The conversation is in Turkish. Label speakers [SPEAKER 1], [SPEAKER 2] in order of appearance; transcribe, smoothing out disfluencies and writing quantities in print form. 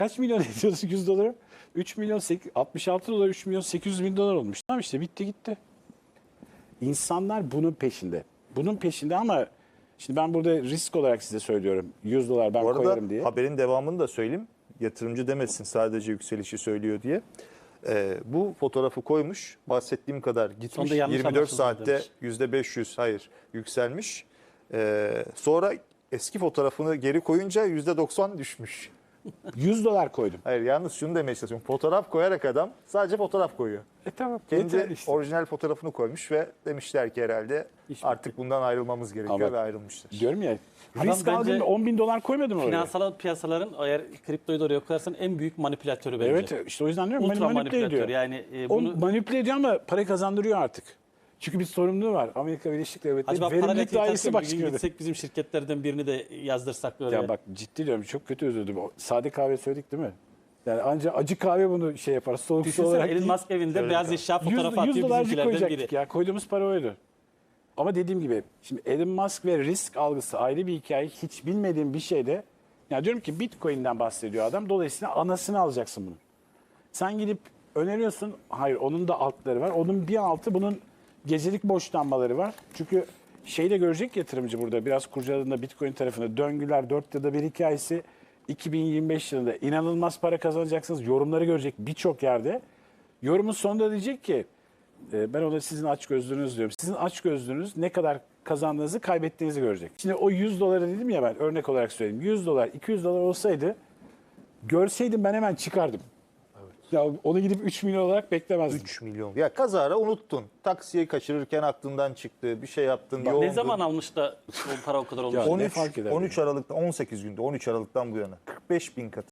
[SPEAKER 1] Kaç milyon ediyorsun 100 doları? 3 milyon 66 dolar 3 milyon 800 bin dolar olmuş. Tamam işte bitti gitti. İnsanlar bunun peşinde. Bunun peşinde ama şimdi ben burada risk olarak size söylüyorum. 100 dolar ben
[SPEAKER 2] Bu arada
[SPEAKER 1] koyarım diye.
[SPEAKER 2] haberin devamını da söyleyeyim. Yatırımcı demesin sadece yükselişi söylüyor diye. Bu fotoğrafı koymuş. Bahsettiğim kadar gitmiş.
[SPEAKER 3] Sonunda yanlış
[SPEAKER 2] 24
[SPEAKER 3] anlaşıldı
[SPEAKER 2] saatte
[SPEAKER 3] demiş.
[SPEAKER 2] %500 hayır yükselmiş. Sonra eski fotoğrafını geri koyunca %90 düşmüş.
[SPEAKER 1] 100 dolar koydum.
[SPEAKER 2] Hayır yalnız şunu demeye çalışıyorum. Fotoğraf koyarak adam sadece fotoğraf koyuyor.
[SPEAKER 1] Tamam.
[SPEAKER 2] Kendi
[SPEAKER 1] yeter işte.
[SPEAKER 2] orijinal fotoğrafını koymuş ve demişler ki herhalde
[SPEAKER 3] İş
[SPEAKER 2] artık bundan ayrılmamız gerekiyor
[SPEAKER 1] Ama-
[SPEAKER 2] ve ayrılmışlar.
[SPEAKER 1] Diyorum ya
[SPEAKER 3] Adam
[SPEAKER 1] risk
[SPEAKER 3] bence
[SPEAKER 1] aldın 10 bin dolar koymadım oraya.
[SPEAKER 3] Finansal piyasaların eğer kriptoyu da oraya koyarsan en büyük manipülatörü bence.
[SPEAKER 1] Evet işte o yüzden diyorum
[SPEAKER 3] Ultra
[SPEAKER 1] manipüle ediyor.
[SPEAKER 3] manipülatör. Yani
[SPEAKER 1] O
[SPEAKER 3] bunu
[SPEAKER 1] manipüle ediyor ama para kazandırıyor artık. Çünkü bir sorumluluğu var. Amerika Birleşik Devletleri
[SPEAKER 3] acaba para
[SPEAKER 1] Verimlilik Dairesi
[SPEAKER 3] bir gün
[SPEAKER 1] Başkanı.
[SPEAKER 3] gitsek bizim şirketlerden birini de yazdırsak böyle.
[SPEAKER 1] Ya bak ciddi diyorum çok kötü üzüldüm. O sade kahve söyledik değil mi? Yani ancak acı kahve bunu şey yapar. Soğuk su
[SPEAKER 3] Düşünsene
[SPEAKER 1] olarak
[SPEAKER 3] Elon
[SPEAKER 1] değil.
[SPEAKER 3] Musk evinde
[SPEAKER 2] Öyle
[SPEAKER 3] beyaz
[SPEAKER 2] tabii.
[SPEAKER 3] eşya
[SPEAKER 1] 100,
[SPEAKER 3] fotoğrafı
[SPEAKER 1] 100
[SPEAKER 3] atıyor
[SPEAKER 1] dolarcık
[SPEAKER 3] bizimkilerden
[SPEAKER 1] koyacaktık
[SPEAKER 3] biri.
[SPEAKER 1] ya. Koyduğumuz para oydu. Ama dediğim gibi şimdi Elon Musk ve risk algısı ayrı bir hikaye. Hiç bilmediğim bir şeyde ya diyorum ki Bitcoin'den bahsediyor adam. Dolayısıyla anasını alacaksın bunu. Sen gidip öneriyorsun. Hayır onun da altları var. Onun bir altı bunun gecelik borçlanmaları var. Çünkü şeyi de görecek yatırımcı burada. Biraz kurcaladığında Bitcoin tarafında döngüler 4 yılda bir hikayesi. 2025 yılında inanılmaz para kazanacaksınız. Yorumları görecek birçok yerde. Yorumun sonunda diyecek ki ben ona sizin açgözlülüğünüz diyorum. Sizin açgözlülüğünüz ne kadar kazandığınızı kaybettiğinizi görecek. Şimdi o 100 doları dedim ya ben örnek olarak söyleyeyim. 100 dolar 200 dolar olsaydı görseydim ben hemen çıkardım. Ya onu gidip 3 milyon olarak beklemezdim.
[SPEAKER 2] 3 milyon. Ya kazara unuttun. Taksiyi kaçırırken aklından çıktı. Bir şey yaptın. yoğundun.
[SPEAKER 3] Ne zaman almış da o para o kadar olmuş?
[SPEAKER 1] Ya, ne
[SPEAKER 2] 13,
[SPEAKER 1] fark eder
[SPEAKER 2] 13 Aralık'ta 18 günde 13 Aralık'tan bu yana 45 bin katı.